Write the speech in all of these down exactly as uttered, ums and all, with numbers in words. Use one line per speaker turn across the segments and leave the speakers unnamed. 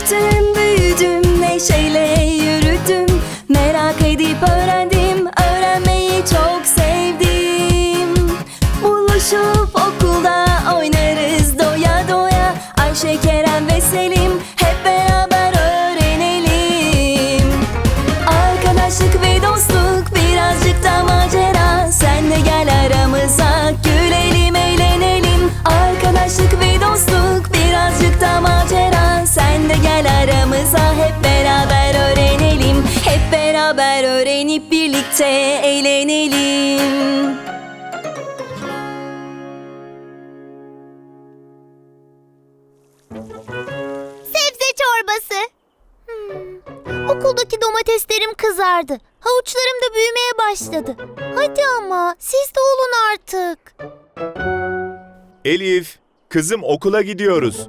Büyüdüm, büyüdüm, neşeyle yürüdüm. Merak edip öğrendim, öğrenmeyi çok sevdim. Buluşup okulda oynarız doya doya. Ayşe, Kerem ve Selim hep beraber öğrenelim. Arkadaşlık ve dostluk, birazcık da macera. Sen de gel aramıza, gülelim, eğlenelim. Arkadaşlık ve dostluk, birazcık da macera. Sen de gel aramıza, hep beraber öğrenelim. Hep beraber öğrenip birlikte eğlenelim.
Sebze çorbası. Hmm. Okuldaki domateslerim kızardı. Havuçlarım da büyümeye başladı. Hadi ama siz de olun artık.
Elif, kızım okula gidiyoruz.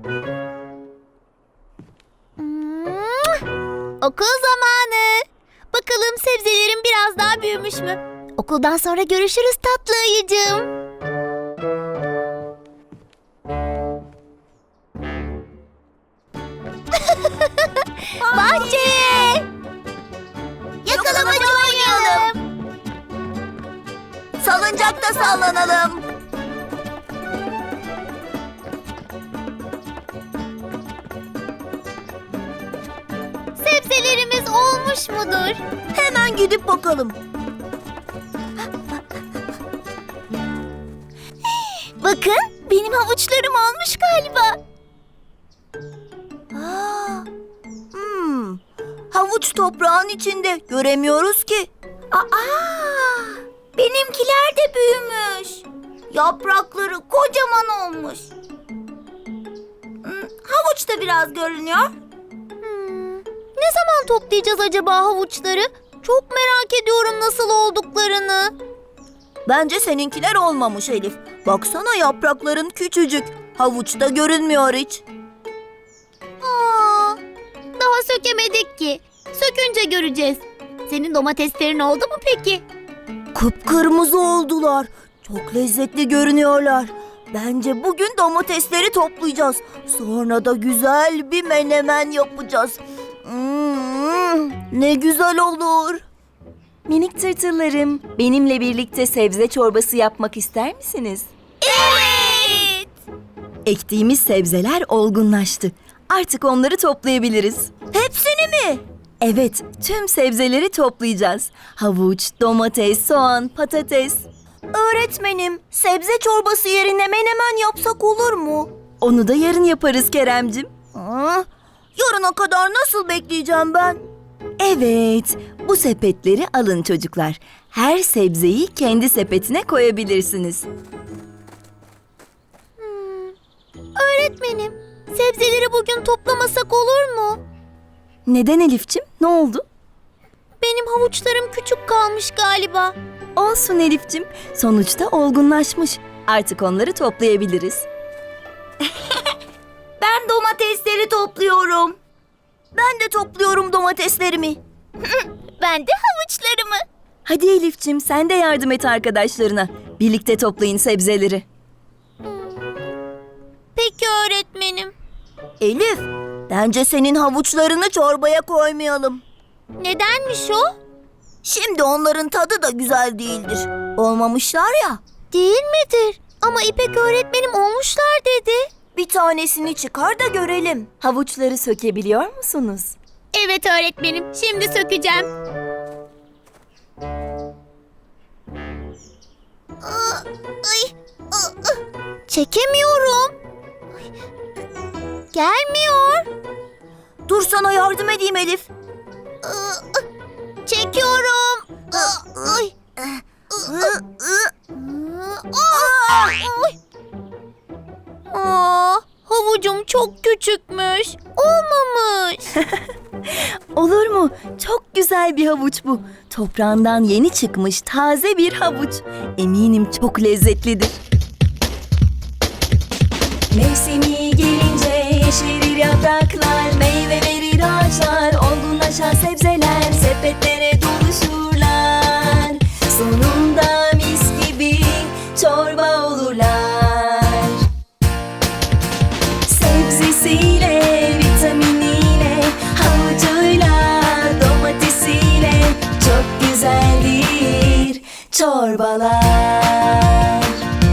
Hmm. Okul zamanı. Bakalım sebzelerim biraz daha büyümüş mü? Okuldan sonra görüşürüz tatlı ayıcığım. Bahçeye! Yakalamaca oynayalım. Salıncakta sallanalım. Sebzelerimiz olmuş mudur? Hemen gidip bakalım. Bakın, benim havuçlarım olmuş galiba. Aa, hmm, havuç toprağın içinde, göremiyoruz ki. Aa, benimkiler de büyümüş. Yaprakları kocaman olmuş. Hmm, havuç da biraz görünüyor. Hmm, ne zaman toplayacağız acaba havuçları? Çok merak ediyorum nasıl olduklarını. Bence seninkiler olmamış Elif. Baksana, yaprakların küçücük. Havuçta görünmüyor hiç. Aa, daha sökemedik ki. Sökünce göreceğiz. Senin domateslerin oldu mu peki? Kıpkırmızı oldular. Çok lezzetli görünüyorlar. Bence bugün domatesleri toplayacağız. Sonra da güzel bir menemen yapacağız. Hmm, ne güzel olur.
Minik tırtıllarım, benimle birlikte sebze çorbası yapmak ister misiniz?
Evet.
Ektiğimiz sebzeler olgunlaştı. Artık onları toplayabiliriz.
Hepsini mi?
Evet, tüm sebzeleri toplayacağız. Havuç, domates, soğan, patates.
Öğretmenim, sebze çorbası yerine menemen yapsak olur mu?
Onu da yarın yaparız Keremcim.
Aa, yarına kadar nasıl bekleyeceğim ben?
Evet, bu sepetleri alın çocuklar. Her sebzeyi kendi sepetine koyabilirsiniz.
Hmm. Öğretmenim, sebzeleri bugün toplamasak olur mu?
Neden Elifçim? Ne oldu?
Benim havuçlarım küçük kalmış galiba.
Olsun Elifçim, sonuçta olgunlaşmış. Artık onları toplayabiliriz.
Ben domatesleri topluyorum. Ben de topluyorum domateslerimi. Ben de havuçlarımı.
Hadi Elifçim, sen de yardım et arkadaşlarına. Birlikte toplayın sebzeleri.
Peki öğretmenim. Elif, bence senin havuçlarını çorbaya koymayalım. Nedenmiş o? Şimdi onların tadı da güzel değildir. Olmamışlar ya. Değil midir? Ama İpek öğretmenim olmuşlar dedi. Bir tanesini çıkar da görelim.
Havuçları sökebiliyor musunuz?
Evet öğretmenim, şimdi sökeceğim. Çekemiyorum. Gelmiyor. Dur, sana yardım edeyim Elif. Çekiyorum. Ay. Aa, havucum çok küçükmüş. Olmamış.
Olur mu? Çok güzel bir havuç bu. Toprağından yeni çıkmış taze bir havuç. Eminim çok lezzetlidir. Mevsimi gelince yeşerir yapraklar, meyve verir ağaçlar, olgunlaşan sebzeler sepetlere doluşurlar. Sonunda mis gibi çorba olurlar. Sebzesiyle, vitaminiyle çorbalar.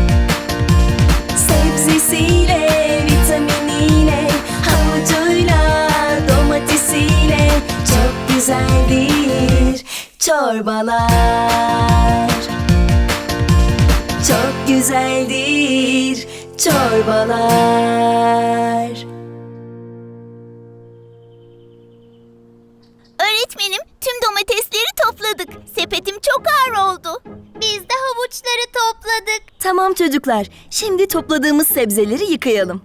Sebzesiyle, vitaminiyle, havucuyla, domatesiyle çok güzeldir çorbalar. Çok güzeldir çorbalar.
Öğretmenim, tüm domatesleri topladık. Sepetim çok ağır oldu. Biz de havuçları topladık.
Tamam çocuklar, şimdi topladığımız sebzeleri yıkayalım.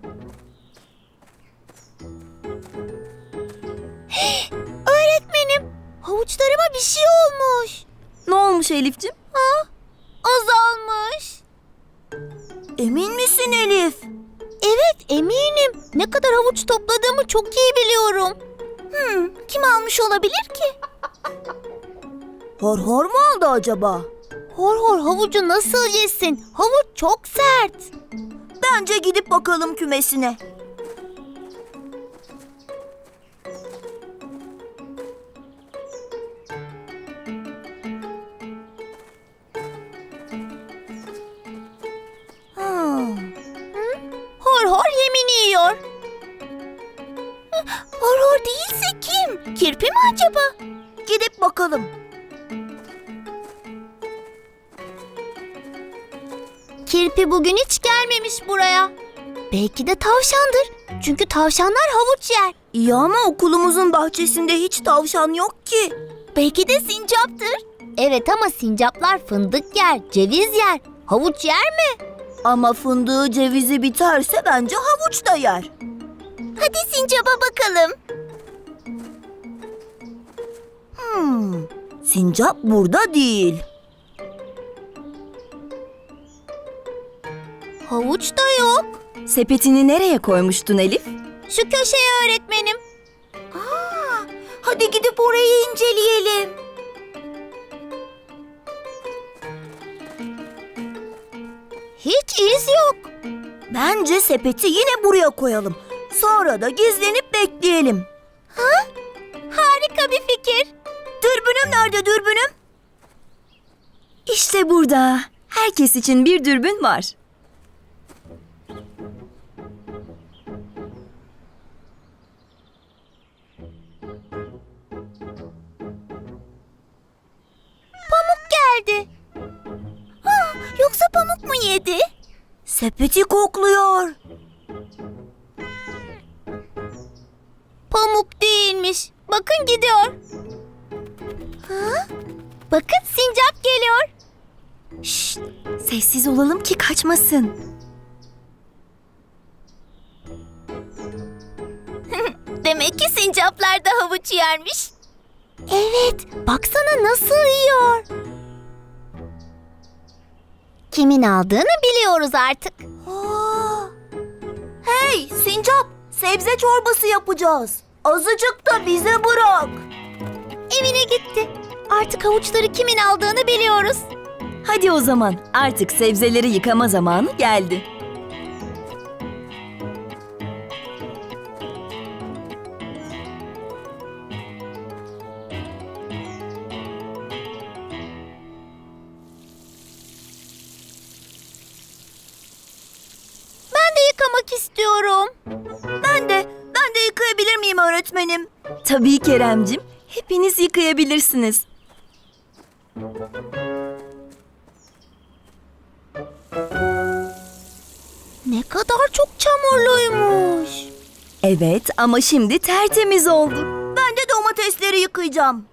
Öğretmenim, havuçlarıma bir şey olmuş.
Ne olmuş Elif'ciğim?
Ha? Azalmış.
Emin misin Elif?
Evet, eminim. Ne kadar havuç topladığımı çok iyi biliyorum. Hmm, kim almış olabilir ki?
Hor hor mu aldı acaba?
Hor hor havucu nasıl yesin? Havuç çok sert.
Bence gidip bakalım kümesine. Hmm.
Hor hor yemini yiyor. Hor hor değilse kim? Kirpi mi acaba?
Gidip bakalım.
Kirpi bugün hiç gelmemiş buraya. Belki de tavşandır. Çünkü tavşanlar havuç yer.
İyi ama okulumuzun bahçesinde hiç tavşan yok ki.
Belki de sincaptır. Evet ama sincaplar fındık yer, ceviz yer. Havuç yer mi?
Ama fındığı cevizi biterse bence havuç da yer.
Hadi sincaba bakalım.
Hmm, sincap burada değil.
Havuç da yok.
Sepetini nereye koymuştun Elif?
Şu köşeye öğretmenim.
Aa, hadi gidip orayı inceleyelim.
Hiç iz yok.
Bence sepeti yine buraya koyalım. Sonra da gizlenip bekleyelim.
Harika bir fikir.
Dürbünüm nerede dürbünüm? İşte burada. Herkes için bir dürbün var.
Pamuk geldi. Ah, yoksa pamuk mu yedi?
Sepeti kokluyor.
Pamuk değilmiş. Bakın gidiyor. Ha? Bakın sincap geliyor.
Şşt, sessiz olalım ki kaçmasın.
Demek ki sincaplar da havuç yermiş. Evet, baksana nasıl yiyor. Kimin aldığını biliyoruz artık.
Aa, hey sincap, sebze çorbası yapacağız. Azıcık da bize bırak.
Evine gitti. Artık havuçları kimin aldığını biliyoruz.
Hadi o zaman artık sebzeleri yıkama zamanı geldi.
Ben de yıkamak istiyorum.
Ben de, ben de yıkayabilir miyim öğretmenim? Tabii Keremcim, hepiniz yıkayabilirsiniz.
Ne kadar çok çamurluymuş.
Evet ama şimdi tertemiz oldu. Ben de domatesleri yıkayacağım.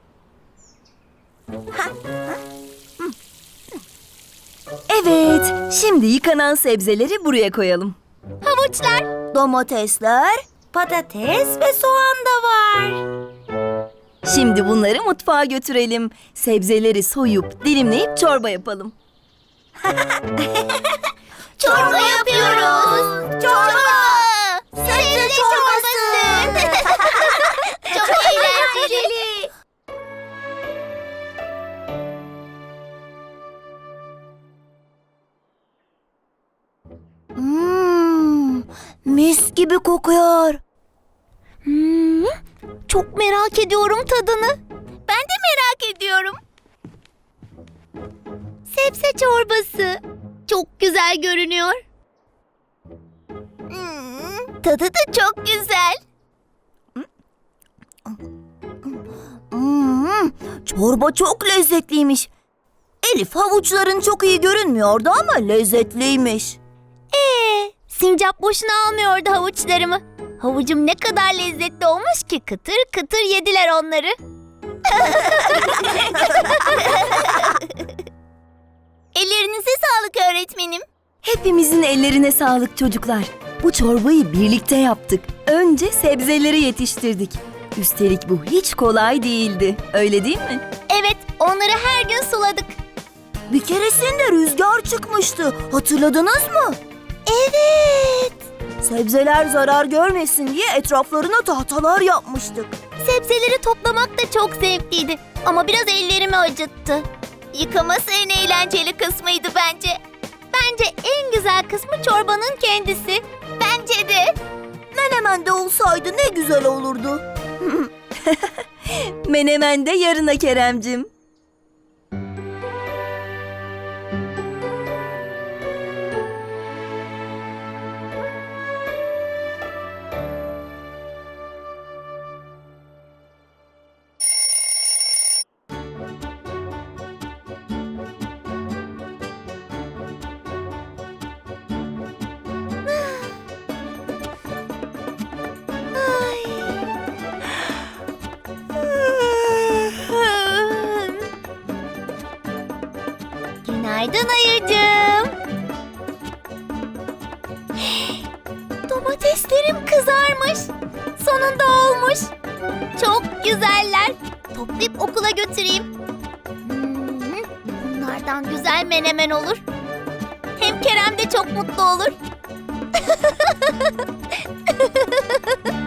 Evet, şimdi yıkanan sebzeleri buraya koyalım.
Havuçlar.
Domatesler, patates ve soğan da var. Şimdi bunları mutfağa götürelim. Sebzeleri soyup dilimleyip çorba yapalım.
Çorba yapıyoruz. Çorba. Sebze çorbası. Çok eğlenceli.
Hmm, mis gibi kokuyor.
Hmm, çok merak ediyorum tadını. Ben de merak ediyorum. Sebze çorbası. Çok güzel görünüyor. Hmm, tadı da çok güzel.
Hmm, çorba çok lezzetliymiş. Elif, havuçların çok iyi görünmüyordu ama lezzetliymiş.
Ee, sincap boşuna almıyordu havuçlarımı. Havucum ne kadar lezzetli olmuş ki kıtır kıtır yediler onları. Ellerinize sağlık öğretmenim.
Hepimizin ellerine sağlık çocuklar. Bu çorbayı birlikte yaptık. Önce sebzeleri yetiştirdik. Üstelik bu hiç kolay değildi. Öyle değil mi?
Evet, onları her gün suladık.
Bir keresinde rüzgar çıkmıştı. Hatırladınız mı?
Evet.
Sebzeler zarar görmesin diye etraflarına tahtalar yapmıştık.
Sebzeleri toplamak da çok zevkliydi. Ama biraz ellerimi acıttı. Yıkaması en eğlenceli kısmıydı bence. Bence en güzel kısmı çorbanın kendisi. Bence de.
Menemen de olsaydı ne güzel olurdu. Menemen de yarına Keremcim.
Günaydın ayıcığım. Domateslerim kızarmış. Sonunda olmuş. Çok güzeller. Toplayıp okula götüreyim. Hmm, bunlardan güzel menemen olur. Hem Kerem de çok mutlu olur.